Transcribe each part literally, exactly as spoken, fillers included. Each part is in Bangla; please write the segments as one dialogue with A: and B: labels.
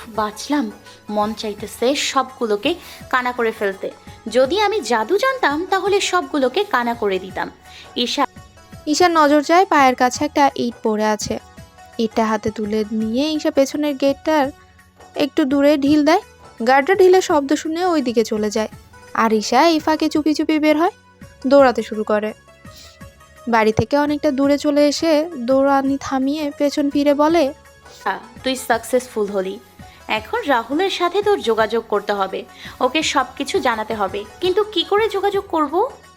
A: বাঁচলাম। মন চাইতেছে সবগুলোকে কানা করে ফেলতে। যদি আমি জাদু জানতাম তাহলে সবগুলোকে কানা করে দিতাম। ঈশা
B: ঈশার নজর যায় পায়ের কাছে একটা ইট পড়ে আছে। ইটটা হাতে তুলে নিয়ে ঈশা পেছনের গেটটার একটু দূরে ঢিল দেয়। গার্ডটা ঢিলের শব্দ শুনে ওই দিকে চলে যায়, আর ঈশা এই ফাঁকে চুপি চুপি বের হয়, দৌড়াতে শুরু করে। বাড়ি থেকে অনেকটা দূরে চলে এসে দৌড়ানি থামিয়ে পেছন ফিরে বলে,
A: তুই সাকসেসফুল হলি। এখন রাহুলের সাথে তোর যোগাযোগ করতে হবে, ওকে সব কিছু জানাতে হবে। কিন্তু কি করে যোগাযোগ করব?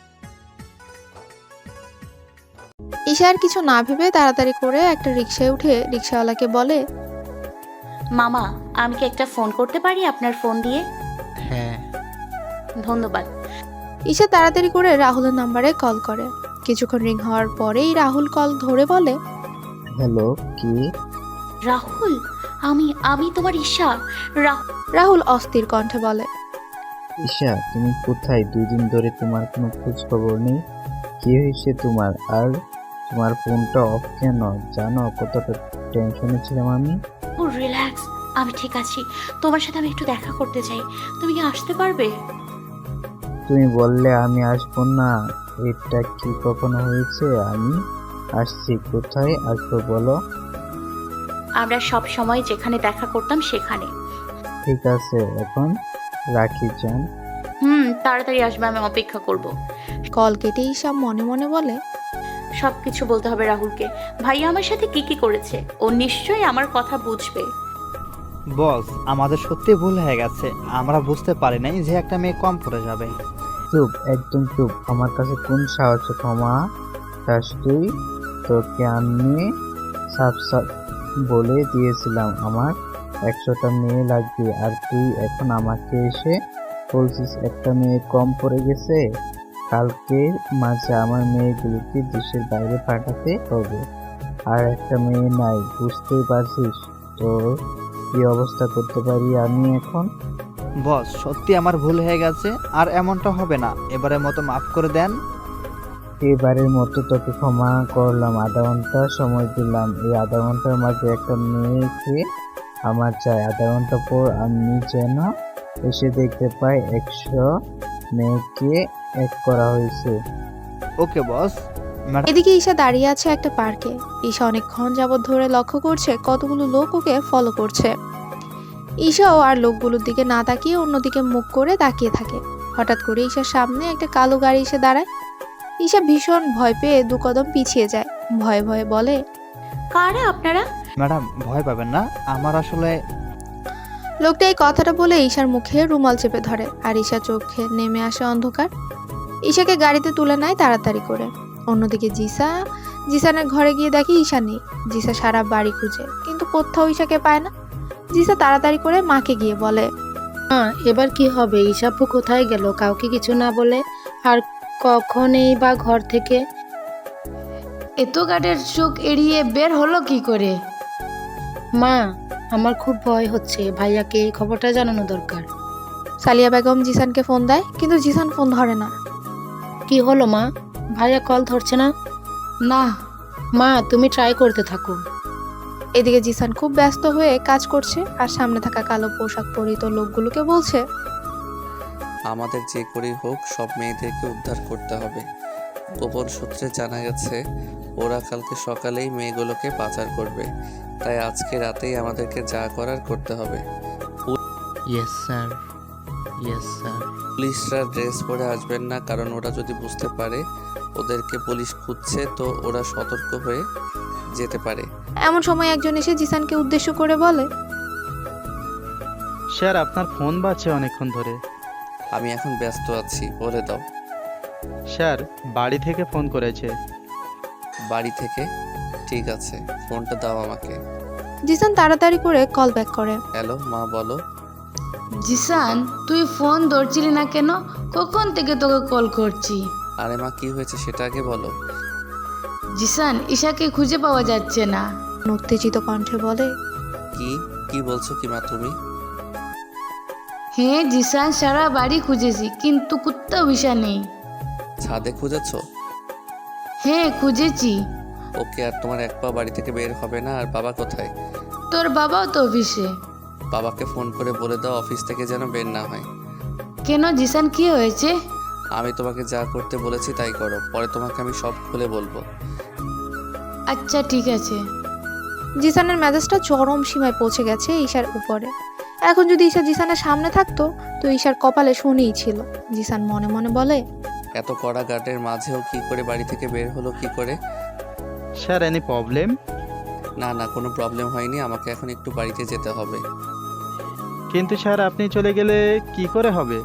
B: ঈশা আর কিছু না ভেবে তাড়াতাড়ি করে একটা রিকশায় উঠে রিকশাওয়ালাকে বলে,
A: মামা, আমি কি একটা ফোন করতে পারি আপনার ফোন দিয়ে?
C: হ্যাঁ।
A: ধন্যবাদ।
B: ঈশা তাড়াতাড়ি করে রাহুলের নাম্বারে কল করে। কিছুক্ষণ রিং হওয়ার পরেই রাহুল কল ধরে বলে,
C: হ্যালো, কি?
A: রাহুল, আমি আমি তোমার ঈশা। রাহুল
B: রাহুল অস্থির কণ্ঠে বলে,
C: ঈশা, তুমি কোথায়? দুই দিন ধরে তোমার কোনো খোঁজ খবর নেই। কি হয়েছে তোমার? আর তোমার ফোনটা অফ কেন? জানো কতটা টেনশনে ছিলাম আমি।
A: রিল্যাক্স, আমি ঠিক আছি। তোমার সাথে আমি একটু দেখা করতে চাই। তুমি কি আসতে পারবে?
C: তুমি বললে আমি আসবো না? এটা কি কখনো হয়েছে? আমি আসছি। কোথায় আসবো বলো?
A: আমরা সব সময় যেখানে দেখা করতাম সেখানে।
C: ঠিক আছে, এখন রাখি যান।
A: হুম, তাড়াতাড়ি আসবে, আমি অপেক্ষা করব।
B: কল কেটে ঈশা মনে মনে বলে,
A: সব কিছু বলতে হবে রাহুলকে। ভাইয়া আমার সাথে কি কি করেছে, ও নিশ্চয়ই আমার কথা বুঝবে।
D: বস, আমাদের সত্যি ভুল হয়ে গেছে। আমরা বুঝতে পারি নাই যে একটা মেয়ে কম পড়ে যাবে।
C: চুপ, একদম চুপ। আমার কাছে কোন সাহসে ক্ষমা চাস তুই? তোকে আমি সাফ সাফ বলে দিয়েছিলাম আমার একশোটা মেয়ে লাগবে, আর তুই এখন আমাকে এসে বলছিস একটা মেয়ে কম পড়ে গেছে। কালকের মাঝে আমার মেয়েগুলোকে দেশের বাইরে পাঠাতে হবে, আর একটা মেয়ে নাই। বুঝতেই পারছিস তোর কি অবস্থা করতে পারি আমি এখন।
D: বস, সত্যি আমার ভুল হয়ে গেছে, আর এমনটা হবে না। এবারের মতো মাফ করে দেন।
C: এবারের মতো তোকে ক্ষমা করলাম। আধা ঘন্টা সময় দিলাম। এই আধা ঘন্টার মাঝে একটা মেয়েকে আমার চাই। আধা ঘন্টা পর আমি যেন এসে দেখতে পাই একশো মেয়েকে এক করা হয়েছে।
D: ওকে বস। ম্যাডাম,
B: এদিকে ঈশা দাঁড়িয়ে আছে একটা পার্কে। ঈশা অনেকক্ষণ যাবৎ ধরে লক্ষ্য করছে কতগুলো লোক ওকে ফলো করছে। ঈশাও আর লোকগুলোর দিকে না তাকিয়ে অন্যদিকে মুখ করে তাকিয়ে থাকে। হঠাৎ করে ঈশার সামনে একটা কালো গাড়ি এসে দাঁড়ায়। ঈশা ভীষণ ভয় পেয়ে দু কদম পিছিয়ে যায়, ভয়ে ভয়ে বলে,
A: কারা আপনারা?
D: ম্যাডাম ভয় পাবেন না। আমার আসলে
B: লোকটা এই কথাটা বলে ঈশার মুখে রুমাল চেপে ধরে, আর ঈশা চোখে নেমে আসে অন্ধকার। ঈশাকে গাড়িতে তুলে নেয় তাড়াতাড়ি করে। অন্যদিকে জিসা জিসানের ঘরে গিয়ে দেখে ঈশা নেই। জিসা সারা বাড়ি খুঁজে কিন্তু কোথাও ঈশাকে পায় না। জিসা তাড়াতাড়ি করে মাকে গিয়ে বলে,
E: মা, এবার কি হবে? ঈশাপু কোথায় গেল কাউকে কিছু না বলে? আর কখনই বা ঘর থেকে এত গার্ডের চোখ এড়িয়ে বের হলো কি করে? মা, আমার খুব ভয় হচ্ছে। ভাইয়াকে এই খবরটা জানানো দরকার।
B: সালিয়া বেগম জিসানকে ফোন দেয়, কিন্তু জিসান ফোন ধরে না।
E: কি হলো মা? ভাইয়া কল ধরছে না? না মা, তুমি ট্রাই করতে থাকো।
B: এদিকে জিসান খুব ব্যস্ত হয়ে কাজ করছে, আর সামনে থাকা কালো পোশাক পরিহিত লোকগুলোকে বলছে,
F: আমাদের যে করেই হোক সব মেয়েদেরকে উদ্ধার করতে হবে। গোপন সূত্রে জানা গেছে ওরা কালকে সকালেই মেয়েগুলোকে পাচার করবে, তাই আজকে রাতেই আমাদেরকে যা করার করতে হবে।
C: Yes sir, yes sir.
F: পুলিশরা ড্রেস পরে আসবেন না, কারণ ওরা যদি বুঝতে পারে ওদেরকে পুলিশ খুঁজছে তো ওরা সতর্ক হয়ে যেতে পারে।
B: এমন সময় একজন এসে জিসানকে উদ্দেশ্য করে বলে,
D: স্যার, আপনার ফোন বাজছে অনেকক্ষণ ধরে।
F: আমি এখন ব্যস্ত আছি, বলে দাও।
D: স্যার, বাড়ি থেকে ফোন করেছে।
F: বাড়ি থেকে? ঠিক আছে, ফোনটা দাও আমাকে।
B: জিসান তাড়াতাড়ি করে কল ব্যাক করে।
F: হ্যালো মা, বলো।
E: জিসান, তুই ফোন ধরছিলি না কেন? কখন থেকে তোকে কল করছি।
F: আরে মা, কি হয়েছে সেটা আগে বলো।
E: জিসান, ঈশাকে খুঁজে পাওয়া যাচ্ছে না।
B: উত্তেজিত কণ্ঠে বলে,
F: কি কি বলছো কি মা তুমি?
E: হ্যাঁ জিসান, সারা বাড়ি খুঁজেছি কিন্তু কোথাও ঈশা নেই।
F: ছাদে খুঁজেছো?
E: হ্যাঁ খুঁজেছি।
F: ওকে, আর তোমার এক পা বাড়ি থেকে বের হবে না। আর বাবা কোথায়?
E: তোর বাবাও তো অফিসে।
F: বাবাকে ফোন করে বলে দাও অফিস থেকে যেন বের না হয়।
E: কেন জিসান, কি হয়েছে?
F: আমি তোমাকে যা করতে বলেছি তাই করো, পরে তোমাকে আমি সব খুলে বলবো।
E: আচ্ছা ঠিক আছে।
B: জিসানের মেজাজটা চরম সীমায় পৌঁছে গেছে ঈশার উপরে। এখন যদি ঈশা জিসানের সামনে থাকতো তো ঈশার কপালে শনিই ছিল। জিসান মনে মনে বলে,
F: এত কড়া গার্ডের মাঝেও কি করে বাড়ি থেকে বের হলো কি করে?
D: Sir any problem?
F: না না, কোনো প্রবলেম হয়নি, আমাকে এখন একটু বাড়িতে যেতে হবে।
D: কিন্তু স্যার আপনি চলে গেলে কি করে হবে?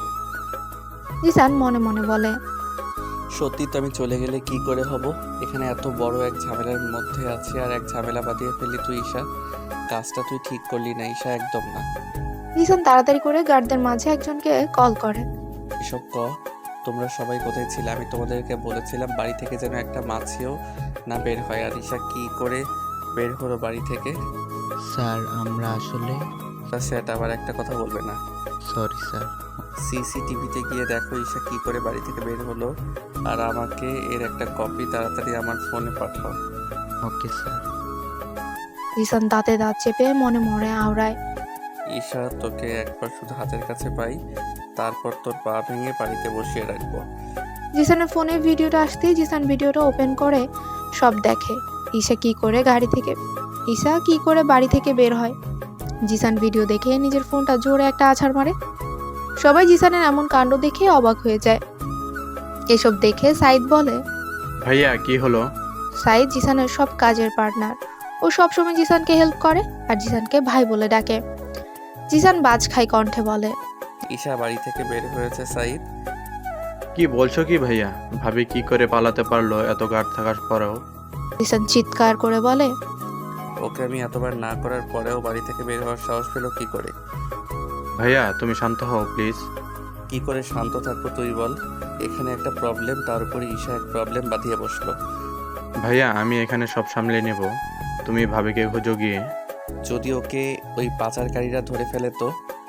B: জিসান মনে মনে বলে,
F: সত্যি তো আমি চলে গেলে কি করে হব? এখানে এত বড় এক ঝামেলার মধ্যে আছি আর এক ঝামেলা বাঁধিয়ে ফেললি তুই ঈশা। কাজটা তুই ঠিক করলি না ঈশা, একদম না।
B: জিসান তাড়াতাড়ি করে গার্ডদের মাঝে একজনকে কল করে।
F: এসব ক, তোমরা সবাই কোথায় ছিলে? আমি তোমাদেরকে বলেছিলাম বাড়ি থেকে যেন একটা মাছিও না বের হয়, আর ঈশা কি করে বের হলো বাড়ি থেকে?
C: স্যার আমরা আসলে
F: তা সেটা আবার একটা কথা বলবে না।
C: Sorry sir.
F: সিসিটিভিতে গিয়ে দেখো ঈশা কি করে বাড়ি থেকে বের হলো, আর আমাকে এর একটা কপি তাড়াতাড়ি আমার ফোনে পাঠাও।
C: Okay sir.
B: জিসান দাঁতে দাঁত চেপে মনে মনে আওড়ায়।
F: ঈশা তোকে একবার শুধু হাতের কাছে পাই, তারপর তোর পা ভেঙে বাড়িতে বসিয়ে রাখবো।
B: জিসানের ফোনে ভিডিওটা আসতেই জিসান ভিডিওটা ওপেন করে সব দেখে। ঈশা কি করে গাড়ি থেকে ঈশা কি করে বাড়ি থেকে বের হয়। জিসান ভিডিও দেখে নিজের ফোনটা জোরে একটা আছাড় মারে। সবাই জিসানের এমন কাণ্ড দেখে অবাক হয়ে যায়। এসব দেখে সাইদ বলে,
G: ভাইয়া কি হলো?
B: সাইদ জিসানের সব কাজের পার্টনার। ও সবসময় জিসানকে হেল্প করে আর জিসানকে ভাই বলে ডাকে। জিসান বাজ খাই কণ্ঠে বলে,
F: ঈশা বাড়ি থেকে বের হয়েছে সাইদ।
G: কি বলছো কি ভাইয়া? ভাবি কি করে পালাতে পারলো এত গার্ড থাকার পরেও?
B: জিসান চিৎকার করে বলে,
F: ওকে আমি এতবার না করার পরেও বাড়ি থেকে বের হওয়ার সাহস পেলো কি করে?
G: ভাইয়া তুমি শান্ত হও প্লিজ।
F: কি করে শান্ত থাকবো তুই বল? এখানে একটা প্রবলেম, তার উপরে ঈশা এক প্রবলেম বাঁধিয়ে বসলো।
G: ভাইয়া আমি এখানে সব সামলে নেব, তুমি ভাবিকে খুঁজো গিয়ে।
F: যদি ওকে ওই পাচারকারীরা ধরে ফেলে তো?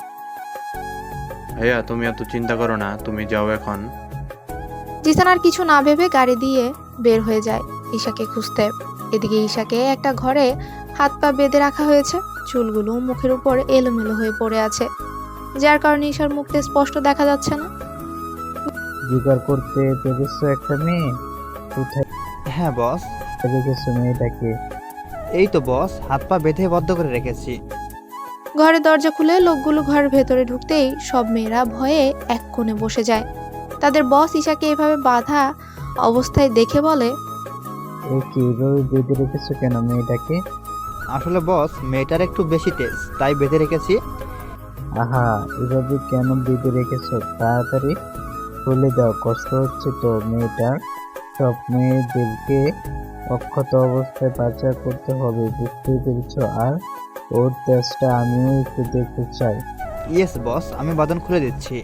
G: ভাইয়া তুমি এত চিন্তা করো না, তুমি যাও এখন।
B: জিসান আর কিছু না ভেবে গাড়ি দিয়ে বের হয়ে যায় ঈশাকে খুঁজতে। এদিকে ঈশাকে একটা ঘরে হাত পা বেঁধে রাখা হয়েছে। চুলগুলো মুখের উপর এলোমেলো হয়ে পড়ে আছে, যার কারণে ঈশার মুখটা স্পষ্ট দেখা যাচ্ছে না।
C: জোগাড় করতে পেরেছো একটা মেয়ে? কোথায়
D: হ্যাঁ বস।
C: রেখেছো মেয়েটাকে?
D: এই তো বস, হাত পা বেঁধে বদ্ধ করে রেখেছি।
B: ঘরের দরজা খুলে লোকগুলো ঘরের ভেতরে ঢুকতেই সব মেয়েরা ভয়ে এক কোণে বসে যায়। তাদের বস ঈশাকে এভাবে বাঁধা অবস্থায় দেখে বলে,
C: এ কি এভাবে বেঁধে রেখেছো কেন মেয়েটাকে?
D: আসলে বস মেয়েটার একটু বেশি তেজ, তাই বেঁধে রেখেছি।
C: আহা, এভাবে কেন বেঁধে রেখেছো? তাড়াতাড়ি খুলে দাও, কষ্ট হচ্ছে তো মেয়েটার। সব মেয়েদেরকে অক্ষত অবস্থায় পাচার করতে হবে, বুঝতেই পেরেছো? আর ওর তেজটা আমিও একটু দেখতে চাই।
D: ইয়েস বস, আমি বাঁধন খুলে দিচ্ছি।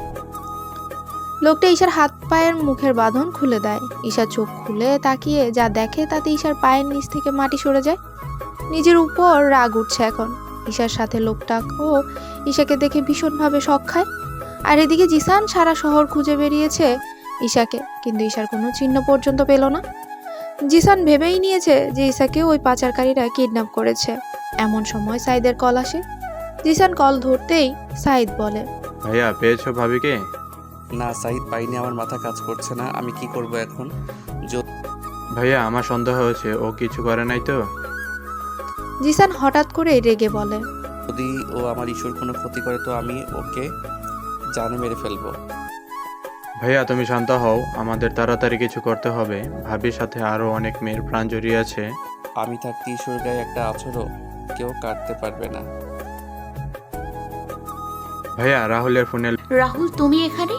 B: লোকটা ঈশার হাত পায়ের মুখের বাঁধন খুলে দেয়। ঈশা চোখ খুলে তাকিয়ে যা দেখে তাতে ঈশার পায়ের নিচ থেকে মাটি সরে যায়। নিজের উপর রাগ উঠছে এখন। ঈশার সাথে লোকটাও ঈশাকে দেখে ভীষণভাবে শক খায়। আর এদিকে জিসান সারা শহর খুঁজে বেরিয়েছে ঈশাকে, কিন্তু ঈশার কোনো চিহ্ন পর্যন্ত পেল না। জিসান ভেবেই নিয়েছে যে ঈশাকে ওই পাচারকারীরা কিডন্যাপ করেছে। এমন সময় সাইদের কল আসে। জিসান কল ধরতেই সাইদ বলে,
G: ভাইয়া পেয়েছো ভাবিকে?
F: না সাইদ পাইনি, আমার মাথা কাজ করছে না, আমি কি করব এখন?
G: ভাইয়া আমার সন্দেহ হয়েছে ও কিছু করে নাই তো?
B: জিসান হঠাৎ করে রেগে বলে,
F: যদি ও আমার ইস্যুর কোনো ক্ষতি করে তো আমি ওকে জানে মেরে ফেলবো।
G: ভাইয়া তুমি শান্ত হও, আমাদের তাড়াতাড়ি কিছু করতে হবে। ভাবির সাথে আরো অনেক মেয়ের প্রাণ জড়িয়ে আছে।
F: আমি থাকতে ইস্যুর গায়ে একটা আছরও কেউ কাটতে পারবে না।
G: ভাইয়া রাহুলের ফোনে।
A: রাহুল তুমি এখানে?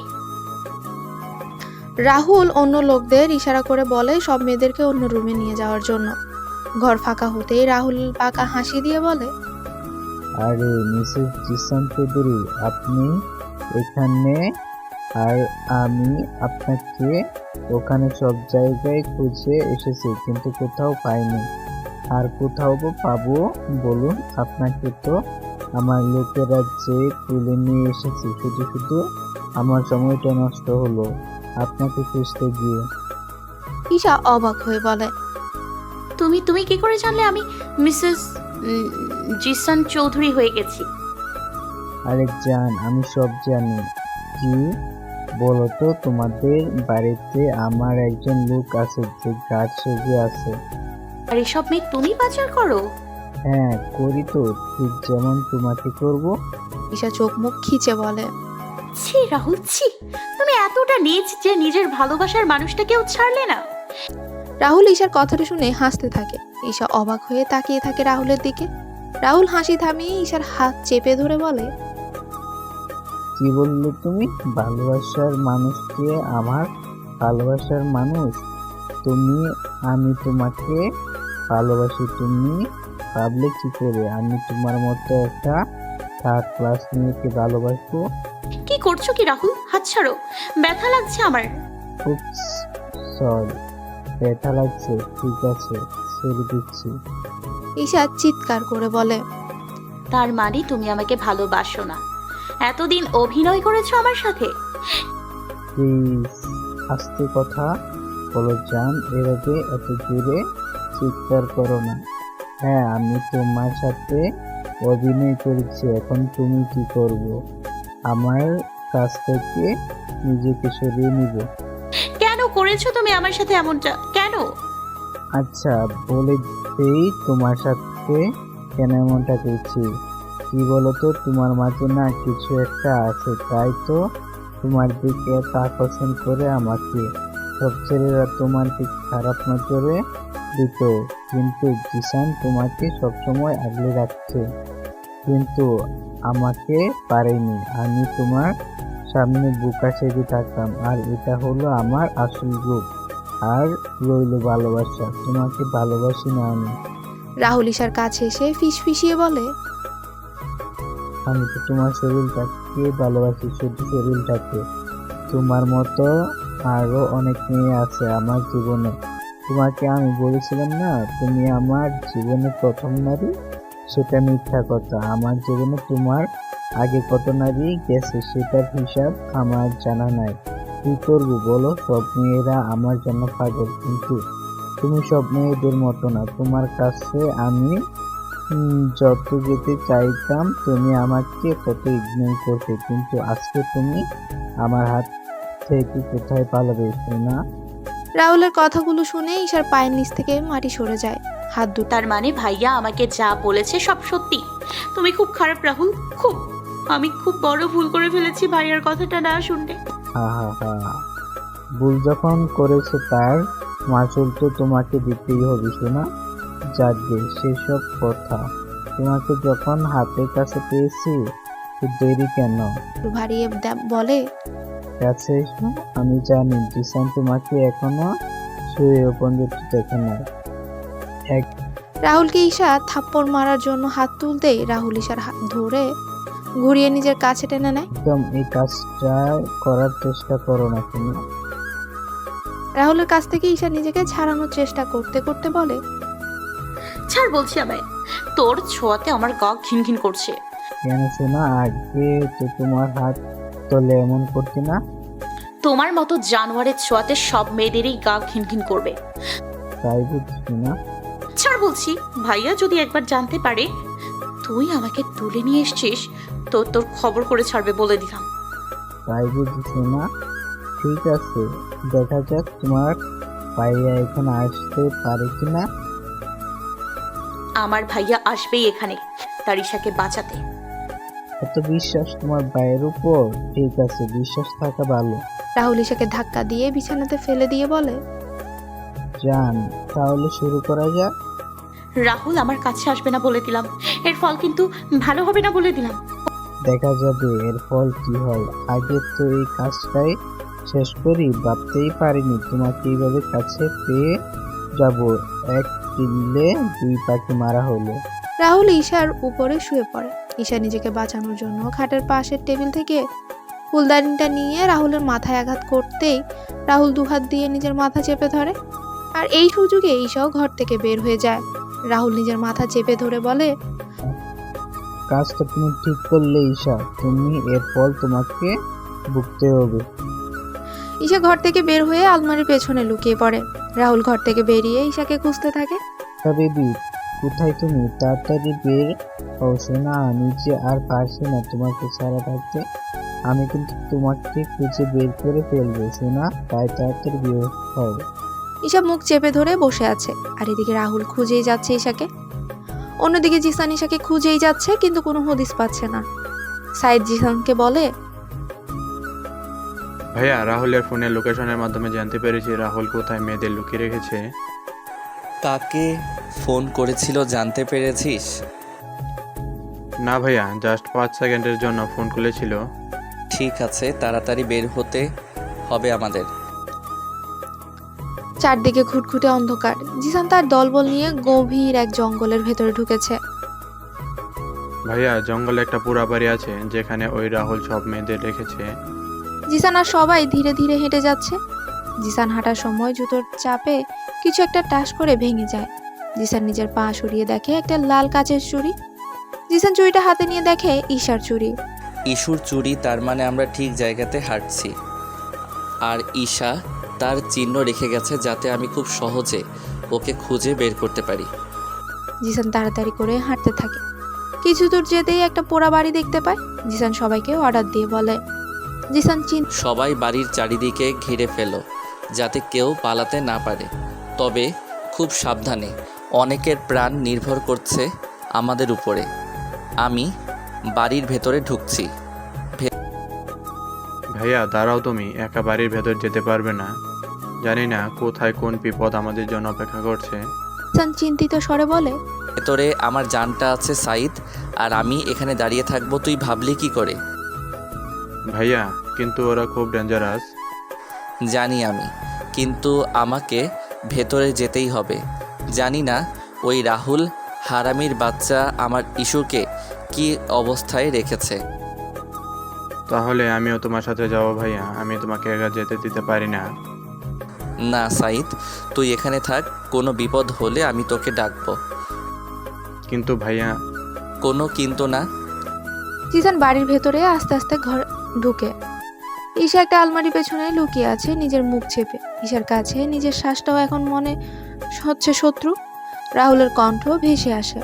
B: রাহুল অন্য লোকদের ইশারা করে বলে সব মেয়েদেরকে অন্য রুমে নিয়ে যাওয়ার জন্য। ঘর ফাঁকা হতেই রাহুল পাকা হাসি দিয়ে বলে,
C: আরে মিসেস জিসান চৌধুরী, আপনি এখানে? আর আমি আপনাকে ওখানে সব জায়গায় খুঁজে এসেছি, কিন্তু কোথাও পাইনি। আর কোথাও পাবো বলুন? আপনাকে তো আমার লোকেরা যে তুলে নিয়ে এসেছি, শুধু শুধু আমার সময়টা নষ্ট হলো আপনাকে খুঁজতে গিয়ে।
B: ঈশা অবাক হয়ে বলে,
A: তুমি তুমি কি করে জানলে আমি মিসেস জিসান চৌধুরী হয়ে গেছি।
C: আরে জান, আমি সব জানি। কি বলো তো, তোমাদের বাড়িতে আমার একজন লোক আছে যে গাছ সেজে আছে।
A: আর এসব মেয়ে তুমি পাচার করো?
C: হ্যাঁ করি তো, ঠিক যেমন তোমাকে করব।
B: ঈশা চোখ মুখ খিচে বলে।
A: ছি রাহুল, ছি, তুমি এতটা নিচ যে নিজের ভালোবাসার মানুষটাকেও ছাড়লে না।
B: রাহুল ঈশার কথাটা শুনে হাসতে থাকে। ঈশা অবাক হয়ে তাকিয়ে থাকে রাহুলের দিকে। রাহুল হাসি থামিয়ে ঈশার হাত চেপে ধরে বলে,
C: কি বললে তুমি? ভালোবাসার মানুষকে? আমার ভালোবাসার মানুষ তুমি? আমি তোমাকে ভালোবাসি, তুমি ভাবলে কি করে আমি তোমার মতো একটা থার্ড ক্লাস মেয়েকে ভালোবাসবো?
A: কি করছো কি রাহুল? হাত ছাড়ো, ব্যথা লাগছে আমার।
C: উপস, সরি, ব্যথা লাগছে। ঠিক আছে, ছেড়ে দিচ্ছি।
B: ঈশা চিৎকার করে বলে,
A: তার মানে তুমি আমাকে ভালোবাসো না? এতদিন অভিনয় করেছো আমার সাথে।
C: প্লিজ আস্তে কথা বলো জান, এভাবে এত জোরে চিৎকার করো না। হ্যাঁ আমি তোমার সাথে অভিনয় করেছি, এখন তুমি কি করব? আমার কাছ থেকে নিজেকে সরিয়ে নিব?
A: কেন করেছো তুমি আমার সাথে এমনটা? কেন?
C: আচ্ছা বলে দেই তোমার সাথে কেন এমনটা করছি। কি বলতো, তোমার মাঝে না কিছু একটা আছে, তাই তো তোমার দিকে এত আকর্ষণ করে আমাকে। সব ছেলেরা তোমার দিকে খারাপ নজরে দিত, কিন্তু জিসান তোমাকে সবসময় আগলে রাখছে, কিন্তু আমাকে পারেনি। আমি তোমার সামনে বুকা সেজে থাকতাম, আর এটা হলো আমার আসল রূপ। আর রইল ভালোবাসা, তোমাকে ভালোবাসি না আমি।
B: রাহুল ঈশার কাছে এসে ফিস ফিসিয়ে বলে,
C: আমি তো তোমার শরীরটাকে ভালোবাসি, শুধু শরীরটাকে। তোমার মতো আরো অনেক মেয়ে আছে আমার জীবনে। তোমাকে আমি বলেছিলাম না তুমি আমার জীবনে প্রথম নারী, সেটা মিথ্যা কথা। আমার জীবনে তোমার আগে কত নারী গেছে সেটার হিসাব আমার জানা নাই। কি করবো বলো, সব মেয়েরা আমার জন্য পাগল, কিন্তু তুমি সব মেয়েদের মতো না। তোমার কাছে আমি উম, যত যেতে চাইতাম তুমি আমাকে তত ইগনোর করতে, কিন্তু আজকে তুমি আমার হাত থেকে কোথায় পালাবে সোনা?
B: রাহুলের কথাগুলো শুনে ঈশার পায়ের নিচ থেকে মাটি সরে যায়। হাত দুটো
A: তার মানে ভাইয়া আমাকে যা বলেছে সব সত্যি? তুমি খুব খারাপ রাহুল, খুব। আমি খুব বড় ভুল করে ফেলেছি ভাইয়ার কথাটা না শুনতে।
C: হা হা হা, ভুল যখন করেছে তার মাসুল তো তোমাকে দিতেই হবে সোনা। যাকে সেসব কথা, তোমাকে যখন হাতের কাছে পেয়েছি তো দেরি কেন?
B: ভারিয়ে দে- বলে,
C: কাছে এসো, আমি জানি জিসান তোমাকে এখনো শুয়ে পর্যন্ত দেখে না। এক
B: রাহুলকে ঈশা থাপ্পড় মারার জন্য হাত তুলতেই রাহুল ঈশার হাত ধরে ঘুরিয়ে নিজের কাছে টেনে নেয়।
C: একদম এই কাজটা করার চেষ্টা করো না তুমি।
B: রাহুলের কাছ থেকে ঈশা নিজেকে ছাড়ানোর চেষ্টা করতে করতে বলে,
A: ছাড় বলছি আমায়, তোর ছোঁয়াতে আমার গা ঘিন ঘিন করছে।
C: কেন শোনা, আগে তো তোমার হাত তলে এমন করতে না।
A: তোমার মতো জানোয়ারের ছোঁয়াতে সব মেয়েদেরই গা ঘিন ঘিন করবে।
C: তাই বুঝছি না।
A: ছাড় বলছি, ভাইয়া যদি একবার জানতে পারে তুই আমাকে তুলে নিয়ে এসছিস তো তোর খবর করে ছাড়বে বলে দিলাম।
C: তাই বুঝছি না। ঠিক আছে, দেখা যাক তোমার ভাইয়া এখানে আসতে পারে কিনা।
A: আমার ভাইয়া আসবেই এখানে তার ঈশাকে বাঁচাতে।
C: এত বিশ্বাস তোমার ভাইয়ের উপর? ঠিক আছে, বিশ্বাস থাকা ভালো।
B: রাহুল ঈশাকে ধাক্কা দিয়ে বিছানাতে ফেলে দিয়ে বলে,
C: যান তাহলে শুরু করা যাক।
A: রাহুল আমার কাছে আসবে না বলে দিলাম, এর ফল কিন্তু ভালো হবে না বলে দিলাম।
C: দেখা যাবে এর ফল কি হয়। আগে তো এই কাজটাই শেষ করি, ভাবতেই পারিনি তোমাকে এইভাবে কাছে পেয়ে যাব। এক কিনলে দুই পাখি মারা হলো।
B: রাহুল ঈশার উপরে শুয়ে পড়ে। ঈশা নিজেকে বাঁচানোর জন্য খাটের পাশের টেবিল থেকে ফুলদানিটা নিয়ে রাহুলের মাথায় আঘাত করতেই রাহুল দুহাত দিয়ে নিজের মাথা চেপে ধরে। আর এই সুযোগে ঈশাও ঘর থেকে বের হয়ে যায়। রাহুল নিজের মাথা চেপে ধরে বলে,
C: কাজটা তুমি ঠিক করলে ঈশা, তুমি এর ফল তোমাকে ভুগতে হবে।
B: ঈশা ঘর থেকে বের হয়ে আলমারির পেছনে লুকিয়ে পড়ে। রাহুল ঘর থেকে বেরিয়ে ঈশাকে খুঁজতে থাকে।
C: বেবি কোথায় তুমি? তাড়াতাড়ি বের হও সোনা, আমি যে আর পারছি না তোমাকে ছাড়া থাকতে। আমি কিন্তু তোমাকে খুঁজে বের করে ফেলবো সোনা, তাই তাড়াতাড়ি বের হও।
B: ঈশা মুখ চেপে ধরে বসে আছে, আর এদিকে রাহুল খুঁজেই যাচ্ছে ঈশাকে। অন্যদিকে জিসান ঈশাকে খুঁজেই যাচ্ছে, কিন্তু কোনো হদিস পাচ্ছে না। সাইদ জিসানকে বলে,
G: ভাইয়া রাহুলের ফোনের লোকেশনের মাধ্যমে জানতে পেরেছি রাহুল কোথায় মেয়েদের লুকিয়ে রেখেছে।
F: কাকে ফোন করেছিল জানতে পেরেছিস?
G: না ভাইয়া, জাস্ট পাঁচ সেকেন্ডের জন্য ফোন খুলেছিল।
F: ঠিক আছে, তাড়াতাড়ি বের হতে হবে আমাদের।
B: চারদিকে ঘুটঘুটে অন্ধকার। জিসান তার দলবল নিয়ে গভীর এক জঙ্গলের ভেতরে ঢুকেছে।
G: ভাইয়া জঙ্গলে একটা পুরা বাড়ি আছে যেখানে ওই রাহুল সব মেয়েদের রেখেছে।
B: জিসান আর সবাই ধীরে ধীরে হেঁটে যাচ্ছে। জিসান হাঁটার সময় জুতোর চাপে কিছু একটা টাস করে ভেঙে যায়। জিসান নিজের পা সরিয়ে দেখে একটা লাল কাচের চুড়ি। জিসান চুড়িটা হাতে নিয়ে দেখে ঈশার চুড়ি।
F: ইস্যুর চুরি, তার মানে আমরা ঠিক জায়গাতে হাঁটছি। আর ঈশা তার চিহ্ন রেখে গেছে যাতে আমি খুব সহজে ওকে খুঁজে বের করতে পারি।
B: জিসান তাড়াতাড়ি করে হাঁটতে থাকে। কিছু দূর যেতেই একটা পোড়া বাড়ি দেখতে পায়। জিসান সবাইকে অর্ডার দিয়ে বলে, জিসান চিন
F: সবাই বাড়ির চারিদিকে ঘিরে ফেলো যাতে কেউ পালাতে না পারে, তবে খুব সাবধানে। অনেকের প্রাণ নির্ভর করছে আমাদের উপরে। আমি বাড়ির ভেতরে ঢুকছি।
G: ভাইয়া দাঁড়াও, তুমি একা বাড়ির ভেতর যেতে পারবে না। জানি না কোথায় কোন বিপদ আমাদের জন্য অপেক্ষা করছে।
B: জিসান চিন্তিত স্বরে বলে,
F: ভেতরে আমার জানটা আছে সাইদ, আর আমি এখানে দাঁড়িয়ে থাকবো, তুই ভাবলি কি করে?
G: ভাইয়া কিন্তু ওরা খুব ডেঞ্জারাস।
F: জানি আমি, কিন্তু আমাকে ভেতরে যেতেই হবে। জানি না ওই রাহুল হারামির বাচ্চা আমার ইস্যুকে কি অবস্থায় রেখেছে।
G: তাহলে আমিও তোমার সাথে যাবো ভাইয়া, আমি তোমাকে একা যেতে দিতে পারি না।
F: না সাইদ, তুই এখানে থাক, কোনো বিপদ হলে আমি তোকে ডাকবো।
G: কিন্তু ভাইয়া।
F: কোনো কিন্তু না।
B: জিসান বাড়ির ভেতরে আস্তে আস্তে ঘর ঢুকে। ঈশা একটা আলমারি পেছনে লুকিয়ে আছে নিজের মুখ চেপে। ঈশার কাছে নিজের শ্বাসটাও এখন মনে হচ্ছে শত্রু। রাহুলের কণ্ঠ ভেসে আসে,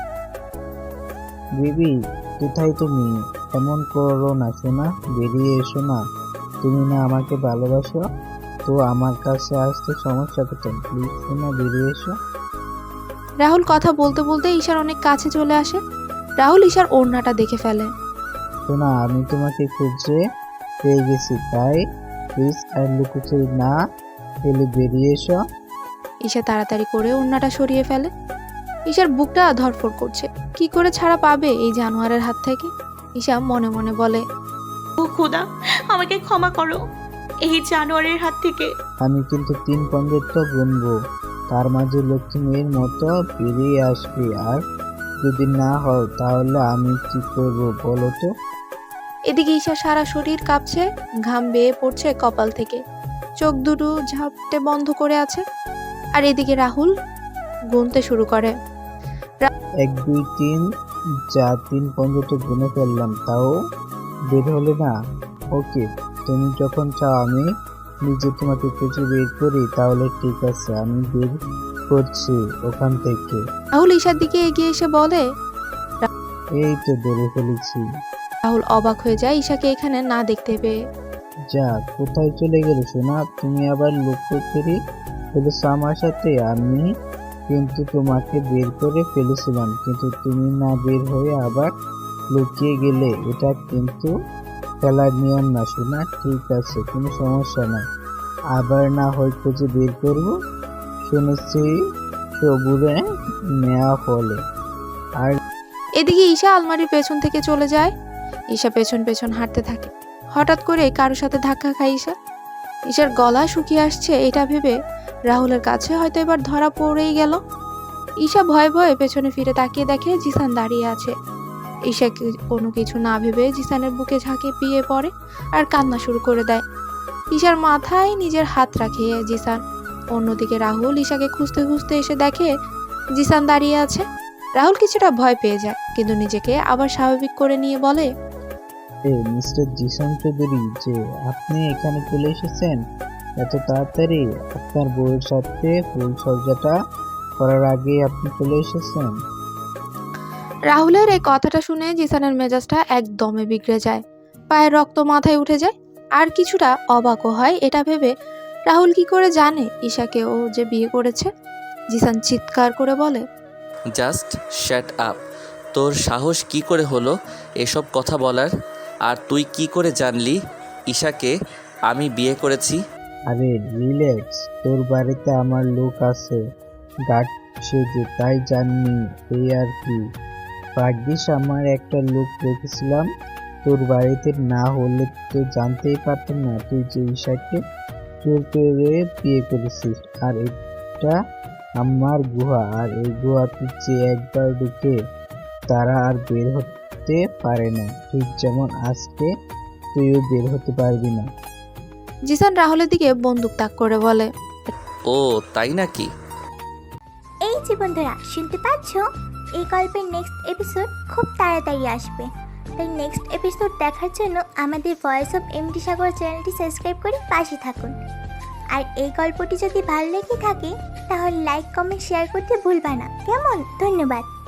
C: বেবি কোথায় তুমি? এমন করো না সোনা, বেরিয়ে এসো না। তুমি না আমাকে ভালোবাসো, তো আমার কাছে আসতে সমস্যা কোথায়? প্লিজ সোনা বেরিয়ে এসো।
B: রাহুল কথা বলতে বলতে ঈশার অনেক কাছে চলে আসে। রাহুল ঈশার ওড়নাটা দেখে ফেলে।
C: সোনা আমি তোমাকে খুঁজে পেয়ে গেছি, তাই প্লিজ আর লুকোচুরি না ফেলে বেরিয়ে এসো।
B: ঈশা তাড়াতাড়ি করে ওড়নাটা সরিয়ে ফেলে। ঈশার বুকটা ধড়ফড় করছে। কি করে ছাড়া পাবে এই জানোয়ারের হাত থেকে? ঈশা মনে মনে বলে,
A: ও খোদা, আমাকে ক্ষমা করো এই জানোয়ারের হাত থেকে।
C: আমি কিন্তু তিন পনেরোটা গুনবো, তার মাঝে লক্ষ্মী মেয়ের মতো বেরিয়ে আসবে, আর যদি না হও তাহলে আমি কি করবো বলো তো?
B: এদিকে ঈশা সারা শরীর কাঁপছে, ঘাম বেয়ে পড়ছে কপাল থেকে, চোখ দুটো ঝাপটে বন্ধ করে আছে। আর এদিকে রাহুল গুনতে শুরু করে।
C: এক দুই তিন, যা তিন পর্যন্ত গুনে ফেললাম, তাও বের হলে না। ওকে, তুমি যখন চাও আমি নিজে তোমাকে খুঁজে বের করি, তাহলে ঠিক আছে, আমি বের করছি ওখান থেকে।
B: রাহুল ঈশার দিকে এগিয়ে এসে বলে,
C: এই তো ধরে ফেলেছি।
B: রাহুল অবাক হয়ে যায় ঈশাকে এখানে না দেখতে পেয়ে।
C: যা, কোথায় চলে গেলে সোনা? তুমি আবার লুকোচুরি ফেলেছো আমার সাথে? আমি কিন্তু তোমাকে বের করে ফেলেছিলাম, কিন্তু তুমি না বের হয়ে আবার লুকিয়ে গেলে। এটা কিন্তু খেলার নিয়ম না সোনা। ঠিক আছে, কোনো সমস্যা নাই, আবার না হয় খুঁজে বের করবো। শুনেছি সবুরে নেওয়া ফলে। আর
B: এদিকে ঈশা আলমারির পেছন থেকে চলে যায়। ঈশা পেছন পেছন হাঁটতে থাকে। হঠাৎ করে কারোর সাথে ধাক্কা খায় ঈশা। ঈশার গলা শুকিয়ে আসছে এটা ভেবে রাহুলের কাছে হয়তো এবার ধরা পড়েই গেল। ঈশা ভয়ে ভয়ে পেছনে ফিরে তাকিয়ে দেখে জিসান দাঁড়িয়ে আছে। ঈশা কি- কোনো কিছু না ভেবে জিসানের বুকে ঝাঁকে পিয়ে পড়ে আর কান্না শুরু করে দেয়। ঈশার মাথায় নিজের হাত রাখে জিসান। অন্যদিকে রাহুল ঈশাকে খুঁজতে খুঁজতে এসে দেখে জিসান দাঁড়িয়ে আছে। রাহুল কিছুটা ভয় পেয়ে যায়, কিন্তু নিজেকে আবার স্বাভাবিক করে নিয়ে বলে,
C: এ মিস্টার জিসান চৌধুরী, যে আপনি এখানে চলে এসেছেন এত তাড়াতাড়ি। আপনার বউয়ের সাথে ফুল সজ্জাটা করার আগেই আপনি চলে এসেছেন।
B: রাহুলের এই কথাটা শুনে জিসানের মেজাজটা একদমে বিগড়ে যায়। পায়ের রক্ত মাথায় উঠে যায়। আর কিছুটা অবাকও হয় এটা ভেবে, রাহুল কি করে জানে ঈশাকে ও যে বিয়ে করেছে। জিসান চিৎকার করে বলে,
F: জাস্ট শ্যাট আপ। তোর সাহস কি করে হলো এসব কথা বলার? আর তুই কি করে জানলি ঈশাকে আমি বিয়ে করেছি?
C: আরে রিল্যাক্স, তোর বাড়িতে আমার লোক আছে, গার্ড সেজে, তাই জাননি এই আর কি। ভাগ্যিস আমার একটা লোক রেখেছিলাম, তোর বাড়িতে না হলে তো জানতেই পারতাম না তুই যে ঈশাকে চোর করে বিয়ে করেছিস। আর এটা আমার গুহা, আর এই গুহাতে যে একবার ঢুকে তারা আর বের হতে পারে না, ঠিক যেমন আজকে তুইও বের হতে পারবি না।
B: জিসান রাহুলের দিকে বন্দুক তাক করে বলে,
F: ও তাই নাকি?
H: এই যে বন্ধুরা, শুনতে পাচ্ছ? এই গল্পের নেক্সট এপিসোড খুব তাড়াতাড়ি আসবে, তাই নেক্সট এপিসোড দেখার জন্য আমাদের ভয়েস অফ এমডি সাগর চ্যানেলটি সাবস্ক্রাইব করে পাশে থাকুন। আর এই গল্পটি যদি ভালো লেগে থাকে তাহলে লাইক কমেন্ট শেয়ার করতে ভুলবা না, কেমন? ধন্যবাদ।